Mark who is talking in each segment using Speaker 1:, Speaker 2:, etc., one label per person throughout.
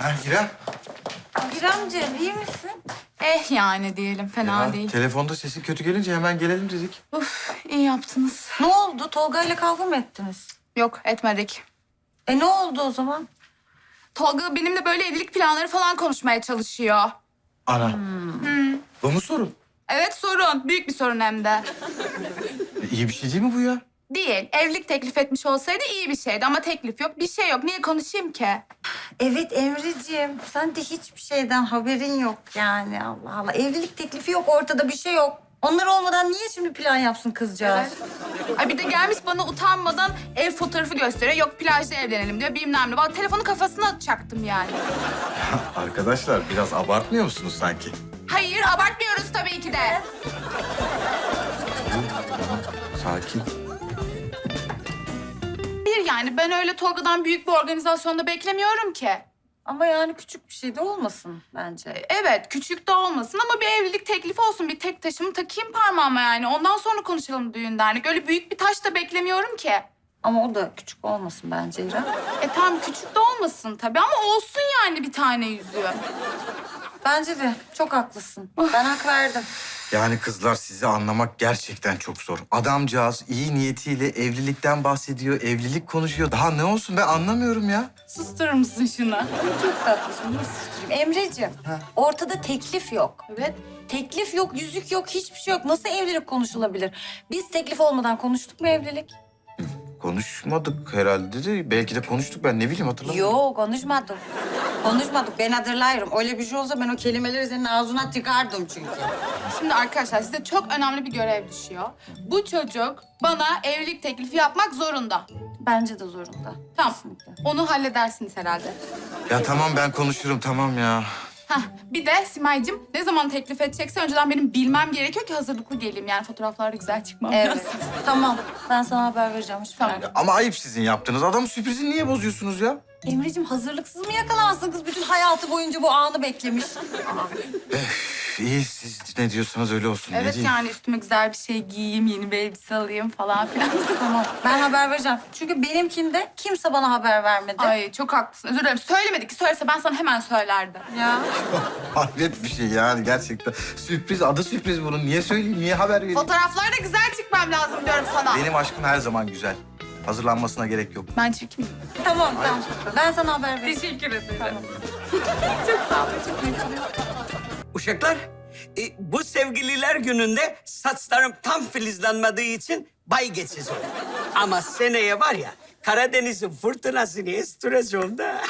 Speaker 1: Ha İrem.
Speaker 2: İremciğim iyi misin?
Speaker 3: Yani diyelim, fena
Speaker 1: Ya,
Speaker 3: değil.
Speaker 1: telefonda sesin kötü gelince hemen gelelim dedik.
Speaker 3: Uf, iyi yaptınız.
Speaker 2: Ne oldu? Tolga ile kavga mı ettiniz?
Speaker 3: Yok, etmedik.
Speaker 2: Ne oldu o zaman?
Speaker 3: Tolga benimle böyle evlilik planları falan konuşmaya çalışıyor.
Speaker 1: Ana. Bu mu sorun?
Speaker 3: Evet, sorun. Büyük bir sorun hem de.
Speaker 1: İyi bir şey değil mi bu ya?
Speaker 3: Değil. Evlilik teklif etmiş olsaydı iyi bir şeydi ama teklif yok, bir şey yok. Niye konuşayım ki?
Speaker 2: Evet Emre'ciğim. Sen de hiçbir şeyden haberin yok yani. Allah Allah. Evlilik teklifi yok ortada, bir şey yok. Onlar olmadan niye şimdi plan yapsın kızcağız?
Speaker 3: Ay bir de gelmiş bana utanmadan ev fotoğrafı gösteriyor. Yok plajda evlenelim diyor, bilmem ne. Valla telefonu kafasına atacaktım yani.
Speaker 1: Arkadaşlar biraz abartmıyor musunuz sanki?
Speaker 3: Hayır, abartmıyoruz tabii ki de.
Speaker 1: Sakin.
Speaker 3: Bir yani ben öyle Tolga'dan büyük bir organizasyonda beklemiyorum ki.
Speaker 2: Ama yani küçük bir şey de olmasın bence.
Speaker 3: Evet, küçük de olmasın ama bir evlilik teklifi olsun. Bir tek taşımı takayım parmağıma yani. Ondan sonra konuşalım düğün dernek. Öyle büyük bir taş da beklemiyorum ki.
Speaker 2: Ama o da küçük olmasın bence İrem.
Speaker 3: Tamam küçük de olmasın tabii ama olsun yani bir tane yüzüğü.
Speaker 2: Bence de çok haklısın. Ben hak verdim.
Speaker 1: Yani kızlar sizi anlamak gerçekten çok zor. Adamcağız iyi niyetiyle evlilikten bahsediyor, evlilik konuşuyor. Daha ne olsun ben anlamıyorum ya.
Speaker 3: Susturur musun şunu?
Speaker 2: Çok tatlısın. Nasıl susturayım? Emreciğim, ortada teklif yok.
Speaker 3: Evet.
Speaker 2: Teklif yok, yüzük yok, hiçbir şey yok. Nasıl evlilik konuşulabilir? Biz teklif olmadan konuştuk mu evlilik?
Speaker 1: Konuşmadık herhalde de belki de konuştuk ben ne bileyim hatırlamıyorum.
Speaker 2: Yok, konuşmadık. Konuşmadık, ben hatırlıyorum. Öyle bir şey olsa ben o kelimeleri senin ağzına tıkardım çünkü.
Speaker 3: Şimdi arkadaşlar size çok önemli bir görev düşüyor. Bu çocuk bana evlilik teklifi yapmak zorunda.
Speaker 2: Bence de zorunda.
Speaker 3: Tamam.
Speaker 2: Kesinlikle.
Speaker 3: Onu halledersiniz herhalde.
Speaker 1: Ya tamam ben konuşurum tamam ya.
Speaker 3: Hah, bir de Simay'cığım ne zaman teklif edecekse önceden benim bilmem gerekiyor ki hazırlıklı geleyim. Yani fotoğraflarda güzel çıkmam
Speaker 2: Evet,
Speaker 3: lazım.
Speaker 2: tamam. Ben sana haber vereceğim. Hiç
Speaker 3: Tamam.
Speaker 2: merak etme.
Speaker 1: Ama ayıp sizin yaptığınız. Adamın sürprizini niye bozuyorsunuz ya?
Speaker 2: Emreciğim hazırlıksız mı yakalansın kız? Bütün hayatı boyunca bu anı beklemiş.
Speaker 1: İyi siz ne diyorsanız öyle olsun. ne
Speaker 3: Evet
Speaker 1: diyeyim?
Speaker 3: yani üstüme güzel bir şey giyeyim, yeni bir elbise alayım falan filan.
Speaker 2: Tamam, ben haber vereceğim. Çünkü benimkinde kimse bana haber vermedi.
Speaker 3: Ay çok haklısın. Özür dilerim. Söylemedik ki söylese ben sana hemen söylerdim.
Speaker 2: Ya.
Speaker 1: Hayret bir şey yani gerçekten. Sürpriz, adı sürpriz bunun. Niye söyleyeyim, niye haber vereyim?
Speaker 3: Fotoğraflarda güzel çıkmam lazım diyorum sana.
Speaker 1: Benim aşkım her zaman güzel. Hazırlanmasına gerek yok.
Speaker 3: Ben çirkin.
Speaker 2: Tamam, tamam. Ben sana haber vereceğim.
Speaker 3: Teşekkür ederim.
Speaker 2: Tamam.
Speaker 3: Çok sağ olun. Çok iyisiniz.
Speaker 4: Uşaklar, bu sevgililer gününde saçlarım tam filizlenmediği için bay geçici oldu. Ama seneye var ya, Karadeniz'in fırtınasını estireceğim da.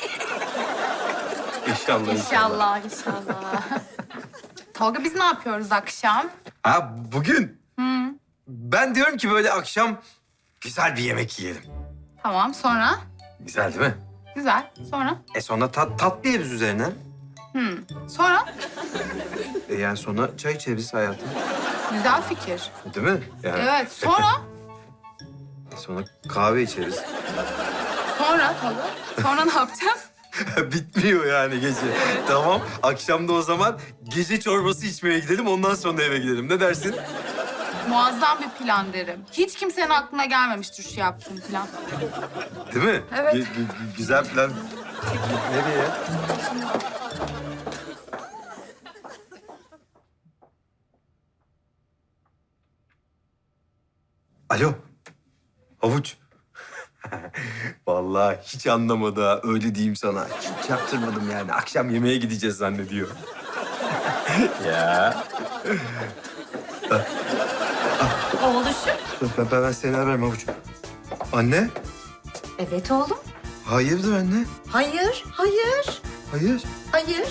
Speaker 1: İnşallah.
Speaker 3: İnşallah, inşallah. Tolga biz ne yapıyoruz akşam?
Speaker 5: Ha bugün? Ben diyorum ki böyle akşam güzel bir yemek yiyelim.
Speaker 3: Tamam sonra?
Speaker 5: Güzel değil mi?
Speaker 3: Güzel. Sonra?
Speaker 5: Sonra tatlı yeriz üzerine.
Speaker 3: Sonra?
Speaker 5: Yani sonra çay içeriz hayatım.
Speaker 3: Güzel fikir.
Speaker 5: Değil mi? Yani,
Speaker 3: Evet. Sonra?
Speaker 5: Sonra kahve içeriz.
Speaker 3: Sonra Tolga. Sonra ne yapacağız?
Speaker 5: Bitmiyor yani gece. Tamam. Akşam da o zaman gece çorbası içmeye gidelim. Ondan sonra eve gidelim. Ne dersin?
Speaker 3: Muazzam bir plan derim. Hiç kimsenin aklına gelmemiştir şu yaptığım plan.
Speaker 5: Değil mi?
Speaker 3: Evet.
Speaker 5: Güzel plan. Nereye? Alo. Havuç. Vallahi hiç anlamadı ha. Öyle diyeyim sana. Hiç yaptırmadım yani. Akşam yemeğe gideceğiz zannediyor. Ya.
Speaker 2: Oğluşum.
Speaker 5: Ben seni ararım Havuç. Anne.
Speaker 2: Evet oğlum.
Speaker 5: Hayırdır anne?
Speaker 2: Hayır, hayır,
Speaker 5: Hayır.
Speaker 2: hayır.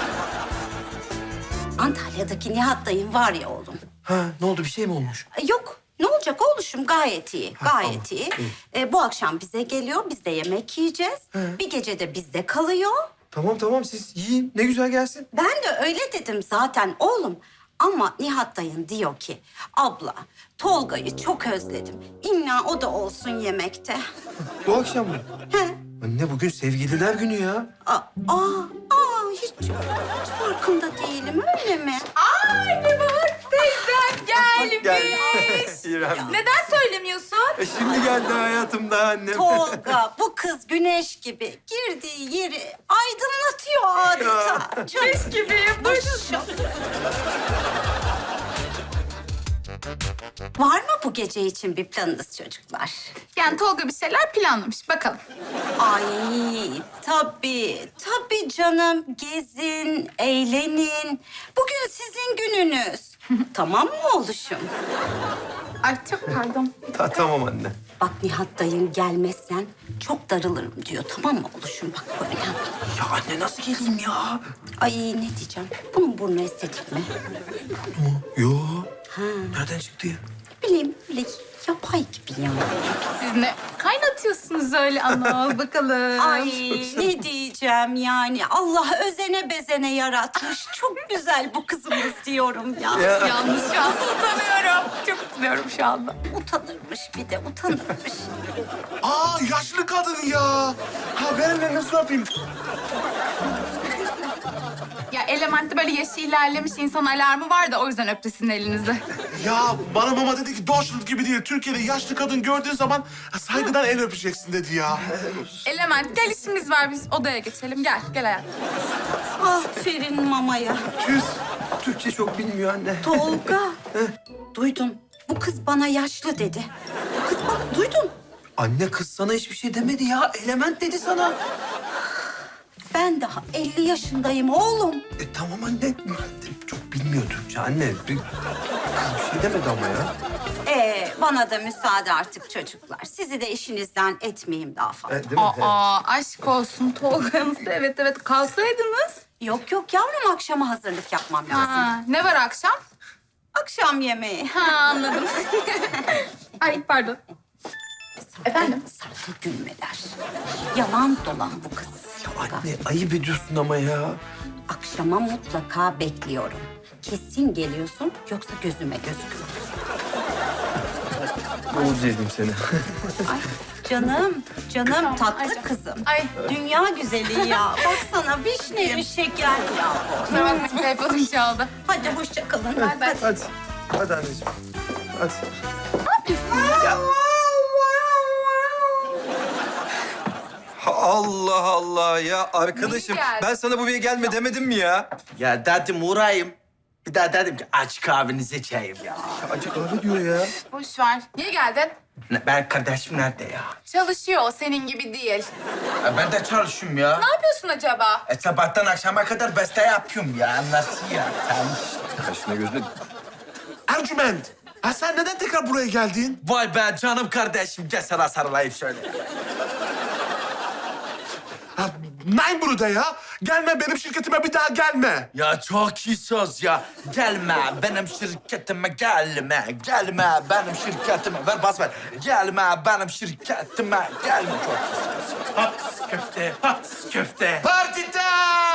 Speaker 6: Antalya'daki Nihat dayım var ya oğlum.
Speaker 5: Ha ne oldu bir şey mi olmuş?
Speaker 6: Yok, ne olacak oğluşum? Gayet iyi, gayet iyi. Bu akşam bize geliyor, biz de yemek yiyeceğiz. Bir gece de bizde kalıyor.
Speaker 5: Tamam siz yiyin. Ne güzel gelsin.
Speaker 6: Ben de öyle dedim zaten oğlum. Ama Nihat dayın diyor ki, abla Tolga'yı çok özledim. İlla o da olsun yemekte.
Speaker 5: Bu akşam mı?
Speaker 6: He.
Speaker 5: Anne bugün sevgililer günü ya.
Speaker 6: Hiç farkında değilim öyle mi?
Speaker 3: Ay Nebahat teyzem gelmiş.
Speaker 5: İrem.
Speaker 3: Neden söylemiyorsun?
Speaker 5: Şimdi geldi hayatımda annem.
Speaker 6: Tolga bu kız güneş gibi girdiği yeri aydınlatıyor. Çok
Speaker 3: gibi. Buyurun.
Speaker 6: Var mı bu gece için bir planınız çocuklar?
Speaker 3: Yani Tolga bir şeyler planlamış. Bakalım.
Speaker 6: Ay tabii canım. Gezin, eğlenin. Bugün sizin gününüz. Tamam mı oğluşum?
Speaker 3: Ay çok pardon.
Speaker 5: Tamam anne.
Speaker 6: Bak Nihat dayın gelmezsen çok darılırım diyor. Tamam mı oğluşum? Bak böyle.
Speaker 5: Ya anne nasıl geleyim ya?
Speaker 6: Ay ne diyeceğim? Bunun burnu estetik mi?
Speaker 5: Yo.
Speaker 6: Ha,
Speaker 5: Nereden çıktı ya?
Speaker 6: ne bileyim böyle yapay gibi ya.
Speaker 3: Siz ne kaynatıyorsunuz öyle ana? Bakalım.
Speaker 6: Ay ne diyeceğim yani. Allah özene bezene yaratmış. Çok güzel bu kızımız diyorum ya.
Speaker 3: Yalnız şu an utanıyorum. Çok utanıyorum şu anda.
Speaker 6: Utanırmış bir de utanırmış.
Speaker 7: Aa yaşlı kadın ya. Ha ben nasıl yapayım?
Speaker 3: Ya Element'te böyle yaşı ilerlemiş insan alarmı var da o yüzden öptü sizin elinizi.
Speaker 7: Ya bana mama dedi ki Deutschland gibi değil. Türkiye'de yaşlı kadın gördüğün zaman saygıdan el öpeceksin dedi ya.
Speaker 3: Element gel işimiz var biz odaya geçelim. Gel hayatım.
Speaker 6: Aferin mamaya.
Speaker 5: Tüz. Türkçe çok bilmiyor anne.
Speaker 6: Tolga. Duydun. Bu kız bana yaşlı dedi. Bu kız bana duydun.
Speaker 5: Anne kız sana hiçbir şey demedi ya. Element dedi sana.
Speaker 6: Ben daha 50 yaşındayım oğlum.
Speaker 5: Tamam anne. Çok bilmiyor Türkçe anne. Kız bir şey demedi ama ya.
Speaker 6: Bana da müsaade artık çocuklar. Sizi de işinizden etmeyeyim daha fazla.
Speaker 5: Değil mi?
Speaker 3: Aa aşk olsun Tolga'nız. Evet kalsaydınız.
Speaker 6: Yok yavrum akşama hazırlık yapmam lazım.
Speaker 3: Ha, ne var akşam?
Speaker 6: Akşam yemeği.
Speaker 3: Ha anladım. Ay pardon. Efendim?
Speaker 6: Sakın gülmeler. Yalan dolan bu kız.
Speaker 5: Anne ayıp ediyorsun ama ya.
Speaker 6: Akşama mutlaka bekliyorum. Kesin geliyorsun yoksa gözüme gözüküyor.
Speaker 5: Oğuz yedim seni.
Speaker 6: Ay canım
Speaker 3: Tamam,
Speaker 6: tatlı
Speaker 3: Ayşe.
Speaker 6: kızım.
Speaker 3: Ay
Speaker 6: Dünya güzeli ya. Baksana vişne şeker ya.
Speaker 3: kusura bakmayın telefonum çaldı.
Speaker 6: Hadi hoşça kalın.
Speaker 3: Bay bay.
Speaker 5: Hadi. Hadi anneciğim. Hadi. Allah Allah ya arkadaşım
Speaker 3: İyi geldi.
Speaker 5: ben sana buraya gelme demedim mi ya?
Speaker 8: Ya dedim uğrayayım. Bir daha dedim ki aç kahvenizi içeyim ya.
Speaker 5: Acı kahve diyor ya.
Speaker 3: Boş ver. Niye geldin?
Speaker 8: Ben kardeşim nerede ya?
Speaker 3: Çalışıyor o senin gibi değil.
Speaker 8: Ben de çalışıyorum ya.
Speaker 3: Ne yapıyorsun acaba?
Speaker 8: Sabahtan akşama kadar beste yapıyorum ya. Nasıl ya? Sen...
Speaker 5: Kaşına gözüne...
Speaker 7: Ercüment. Ha sen neden tekrar buraya geldin?
Speaker 8: Vay be canım kardeşim. Gel sana sarılayım şöyle.
Speaker 7: Ha, nein burada ya. Gelme benim şirketime bir daha gelme.
Speaker 8: Ya çok iyi söz ya. Gelme benim şirketime gelme. Gelme benim şirketime. Ver bas ver. Gelme benim şirketime gelme. Çok iyi söz.
Speaker 7: Pat köfte, pat köfte.
Speaker 8: Party time!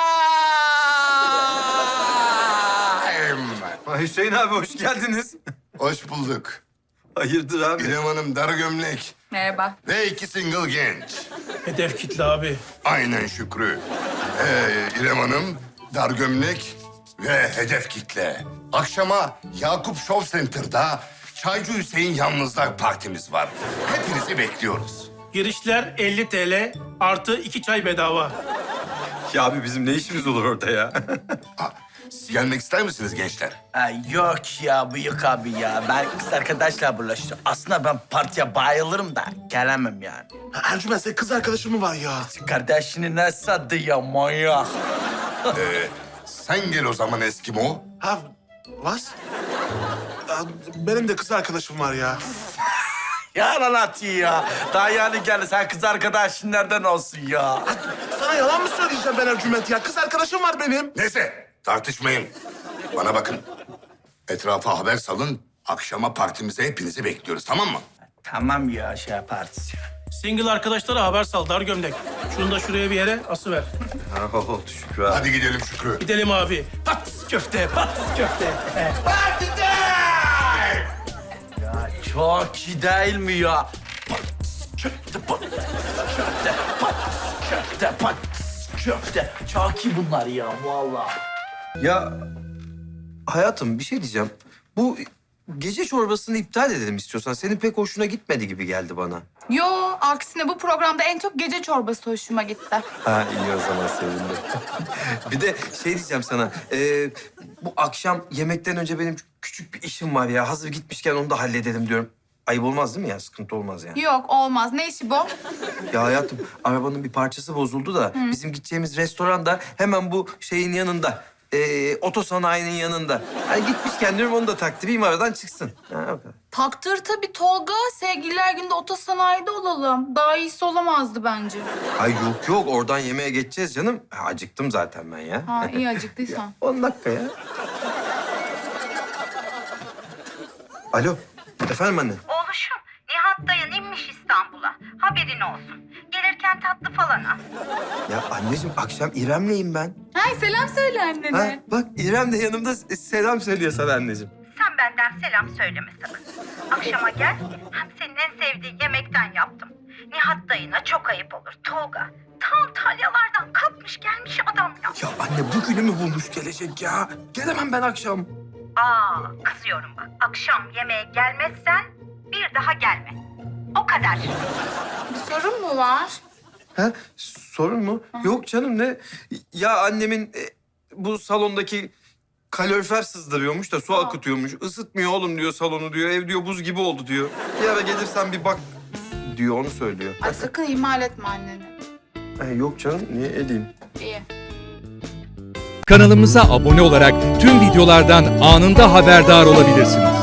Speaker 5: Hüseyin abi hoş geldiniz.
Speaker 9: Hoş bulduk.
Speaker 5: Hayırdır abi?
Speaker 9: İrem Hanım dar gömlek
Speaker 3: Merhaba.
Speaker 9: ve 2 single genç.
Speaker 7: Hedef kitle abi.
Speaker 9: Aynen Şükrü. İrem Hanım dar gömlek ve hedef kitle. Akşama Yakup Show Center'da Çaycı Hüseyin Yalnızlar partimiz var. Hepinizi bekliyoruz.
Speaker 10: Girişler 50 TL artı 2 çay bedava.
Speaker 5: Ya abi bizim ne işimiz olur orada ya?
Speaker 9: Siz gelmek ister misiniz gençler?
Speaker 8: Yok ya bıyık abi ya. Ben kız arkadaşla bulaştım. Aslında ben partiye bayılırım da gelemem yani.
Speaker 7: Ercüment senin kız arkadaşın mı var ya?
Speaker 8: Kardeşini ne sattı ya manyak.
Speaker 9: Sen gel o zaman Eskimo.
Speaker 7: Ha, was? Benim de kız arkadaşım var ya.
Speaker 8: Yalan atıyor ya. Daha yani geldi sen kız arkadaşın nereden olsun ya?
Speaker 7: Sana yalan mı söyleyeceğim ben Ercüment ya? Kız arkadaşım var benim.
Speaker 9: Neyse tartışmayın. Bana bakın. Etrafa haber salın. Akşama partimize hepinizi bekliyoruz, tamam mı?
Speaker 8: Tamam ya şey yaparız.
Speaker 10: Single arkadaşlara haber sal dar gömlek. Şunu da şuraya bir yere asıver.
Speaker 5: Ha, oldu Şükrü abi.
Speaker 9: Hadi gidelim Şükrü.
Speaker 10: Gidelim abi. Pat köfte, pat köfte.
Speaker 8: Ya çok iyi değil mi ya? Pat köfte, pat köfte, pat köfte, pat köfte. Çok iyi bunlar ya vallahi.
Speaker 5: Ya hayatım bir şey diyeceğim. Bu gece çorbasını iptal edelim istiyorsan. Senin pek hoşuna gitmedi gibi geldi bana.
Speaker 3: Yo, aksine bu programda en çok gece çorbası hoşuma gitti.
Speaker 5: Ha iyi o zaman sevindim. Bir de şey diyeceğim sana. Bu akşam yemekten önce benim küçük bir işim var ya. Hazır gitmişken onu da halledelim diyorum. Ayıp olmaz değil mi ya? Sıkıntı olmaz yani.
Speaker 3: Yok, olmaz. Ne işi bu?
Speaker 5: Ya hayatım arabanın bir parçası bozuldu da bizim gideceğimiz restoran da hemen bu şeyin yanında. Otosanayinin yanında. Hani gitmişken diyorum onu da taktırayım aradan çıksın. Ha, o kadar.
Speaker 3: Taktır tabii Tolga. Sevgililer günde otosanayide olalım. Daha iyisi olamazdı bence.
Speaker 5: Ay yok oradan yemeğe geçeceğiz canım. Ha, acıktım zaten ben ya.
Speaker 3: Ha, iyi acıktıysan.
Speaker 5: 10 dakika ya. Alo efendim anne.
Speaker 6: Oğluşum, Nihat dayın inmiş İstanbul'a. Haberin olsun. Gelirken tatlı falan al.
Speaker 5: Ya anneciğim akşam İrem'leyim ben.
Speaker 3: Hay selam söyle annene.
Speaker 5: Ha, bak İrem de yanımda selam söylüyor sana anneciğim.
Speaker 6: Sen benden selam söyleme sakın. Akşama gel, hem senin en sevdiğin yemekten yaptım. Nihat dayına çok ayıp olur Tolga. Tam talyalardan kalkmış gelmiş adam ya.
Speaker 5: Ya anne bugünü mü bulmuş gelecek ya? Gelemem ben akşam.
Speaker 6: Kızıyorum bak. Akşam yemeğe gelmezsen bir daha gelme. O kadar.
Speaker 3: Bir sorun mu var?
Speaker 5: Ha, sorun mu? Yok canım ne? Ya annemin bu salondaki kalorifer sızdırıyormuş da su akıtıyormuş. Isıtmıyor oğlum diyor salonu diyor. Ev diyor buz gibi oldu diyor. Bir ara gelirsen bir bak diyor onu söylüyor.
Speaker 3: Ay sakın ihmal etme anneni.
Speaker 5: Yok canım niye edeyim?
Speaker 3: İyi.
Speaker 11: Kanalımıza abone olarak tüm videolardan anında haberdar olabilirsiniz.